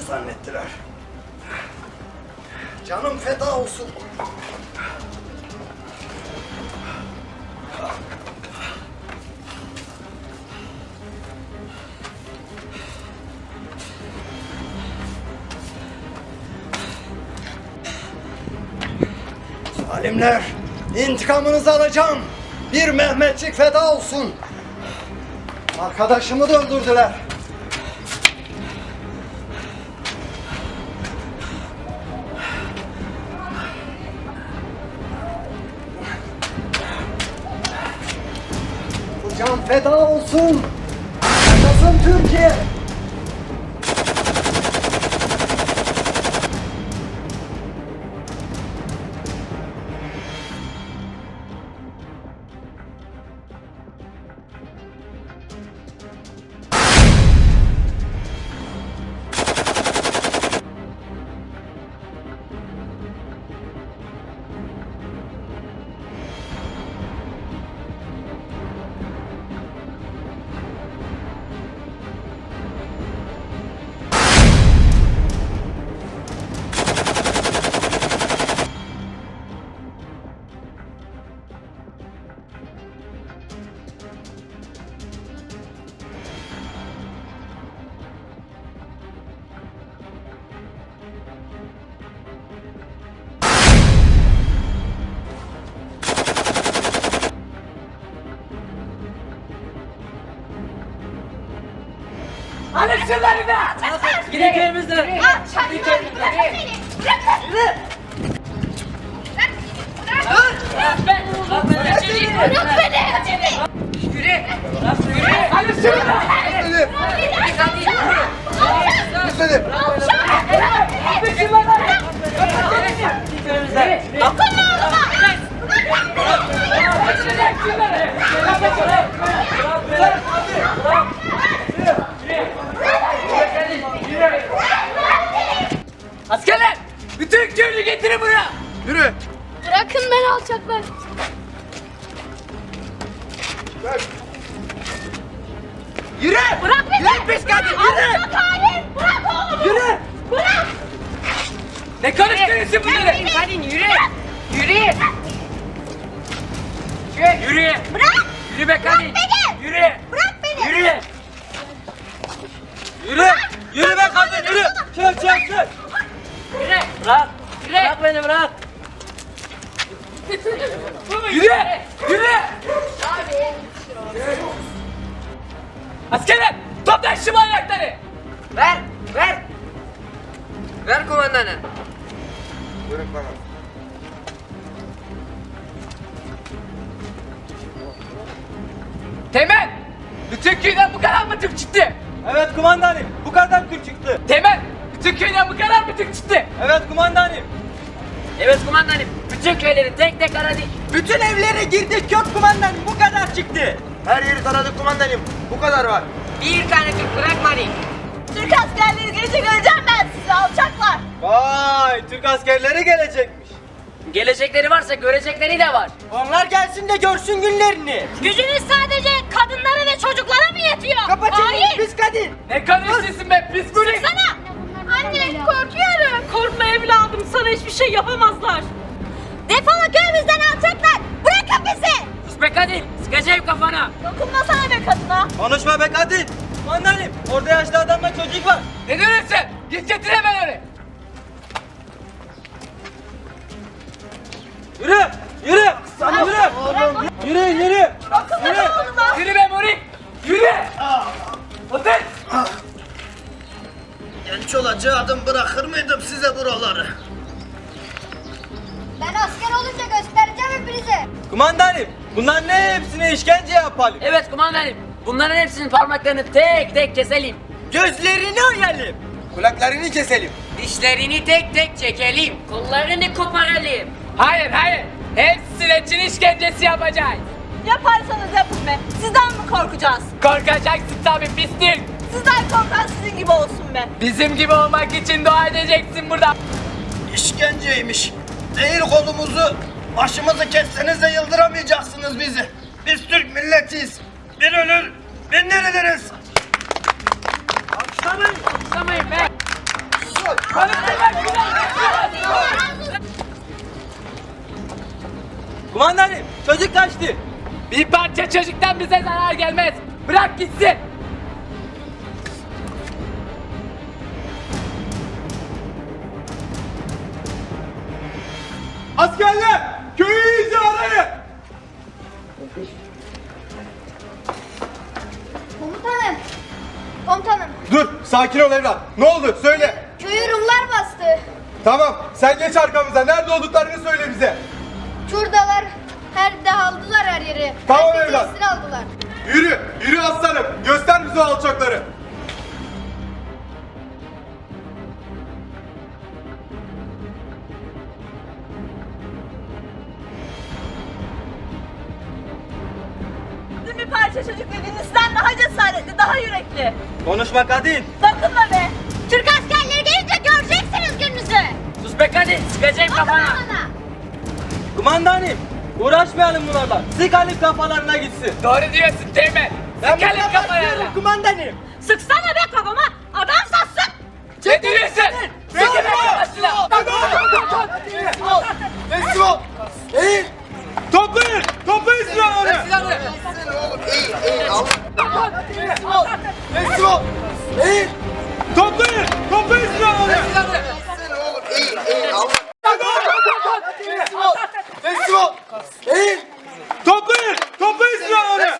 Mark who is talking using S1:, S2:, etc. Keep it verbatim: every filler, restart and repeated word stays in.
S1: zannettiler. Canım feda olsun. Zalimler, intikamınızı alacağım. Bir Mehmetçik feda olsun. Arkadaşımı da öldürdüler. Bu can feda olsun. Yaşasın Türkiye.
S2: Alın şunları da! Gidin köyümüzden! Gidin köyümüzden! Bırak beni! Bırak beni! Bırak beni! Yürü! Yürü! Alın şunu da!
S1: Müslüm! Müslüm!
S2: Alın şunları!
S3: Dokunma oğluma!
S2: Askerler! Bütün köylü getirin buraya!
S1: Yürü!
S3: Bırakın beni alçaklar.
S1: Yürü!
S3: Bırak beni!
S2: Yürü pis kadın, yürü!
S3: Alçak halim! Bırak oğlumu!
S2: Yürü!
S3: Bırak!
S2: Ne karıştırıyorsun bunları?
S3: Hadi yürü! Yürü!
S2: Yürü!
S3: Bırak!
S2: Yürü be kadın!
S3: beni!
S2: Yürü!
S3: Bırak beni!
S2: Yürü! Yürü! Yürü be kadın, yürü! Çık çık çık! Yürü! Bırak! Bırak beni, bırak! Yürü! Yürü! Askerler! Toplayın şu manyakları!
S4: Ver, ver. Ver kumandanı.
S1: Yürü bana.
S2: Temel! Bütün köyden bu kadar mı Türk çıktı?
S5: Evet kumandanım, bu kadar Türk çıktı.
S2: Temel! Bütün köyden bu kadar mı Türk çıktı?
S5: Evet kumandanım.
S2: Evet kumandanım. Bütün köyleri tek tek aradık.
S5: Bütün evlere girdik yok kumandanım, bu kadar çıktı.
S1: Her yeri taradık kumandanım. Bu kadar var.
S4: Bir tane Türk bırakmadık.
S3: Türk askerleri gelecek öleceğim ben sizi alçaklar.
S5: Vay, Türk askerleri gelecekmiş.
S2: Gelecekleri varsa görecekleri de var.
S5: Onlar gelsin de görsün günlerini.
S3: Gücünüz sadece kadınlara ve çocuklara mı yetiyor?
S5: Kapa çeneni
S3: Hain!
S5: pis kadın.
S2: Ne konuşuyorsun be pis burik?
S3: Sana! Anne korkuyorum. Korkma evladım, sana hiçbir şey yapamazlar. Defolun köyümüzden alçaklar. Bırakın bizi.
S2: Sus be kadın. Sıkacağım kafana.
S3: Dokunmasana be kadına.
S5: Konuşma be kadın. Kumandanım, orada yaşlı adamla çocuk var.
S2: Ne diyorsun sen? Git getir hemen onu.
S5: Yürü, yürü. Sana yürü. Yürü, yürü. Yürü.
S3: Oğluma.
S2: Yürü be Murik. Yürü. Otur.
S1: Genç olacaktım, bırakır mıydım size buraları?
S3: Ben asker olunca göstereceğim hepinize.
S5: Kumandanım, bunların ne hepsine işkence yapalım.
S2: Evet kumandanım. Bunların hepsinin parmaklarını tek tek keselim.
S5: Gözlerini oyalım.
S1: Kulaklarını keselim.
S2: Dişlerini tek tek çekelim. Kollarını koparalım. Hayır hayır. Hepsine Çin işkencesi yapacağız.
S3: Yaparsanız yapın be. Sizden mi korkacağız?
S2: Korkacaksın tabii pislik.
S3: Sizden korkan sizin gibi olsun be.
S2: Bizim gibi olmak için dua edeceksin burada.
S1: İşkenceymiş. Değil kolumuzu, başımızı kesseniz de yıldıramayacaksınız bizi. Biz Türk milletiyiz. Bir ölür, bin diriliriz.
S2: Alkışlamayın be.
S5: Kumandanım çocuk kaçtı.
S2: Bir parça çocuktan bize zarar gelmez. Bırak gitsin.
S6: Askerler! Köyü iyice arayın!
S3: Komutanım. Komutanım.
S6: Dur, sakin ol evlat. Ne oldu? Söyle.
S3: Köyü Rumlar bastı.
S6: Tamam, sen geç arkamıza. Nerede olduklarını söyle bize.
S3: Şuradalar. Her de aldılar her yeri.
S6: Tamam
S3: Herkesi
S6: evlat.
S3: esir aldılar.
S6: Yürü, yürü aslanım. Göster bize o alçakları.
S3: Bir parça çocuk dediğinizden daha cesaretli, daha yürekli.
S5: Konuşma kadın.
S3: Dokunma be. Türk askerleri gelince göreceksiniz gününüzü.
S2: Sus be kadın, sıkacağım kafana.
S3: Bana.
S5: Kumandanım uğraşmayalım bunlarla. Sıkalım kafalarına gitsin.
S2: Doğru diyorsun Teğmen. Sıkalım kafaya.
S5: Kumandanım.
S3: Sıksana be kafama. Adam satsın.
S2: Ne diyorsun? Sıkalım kafasına.
S6: Teslim ol.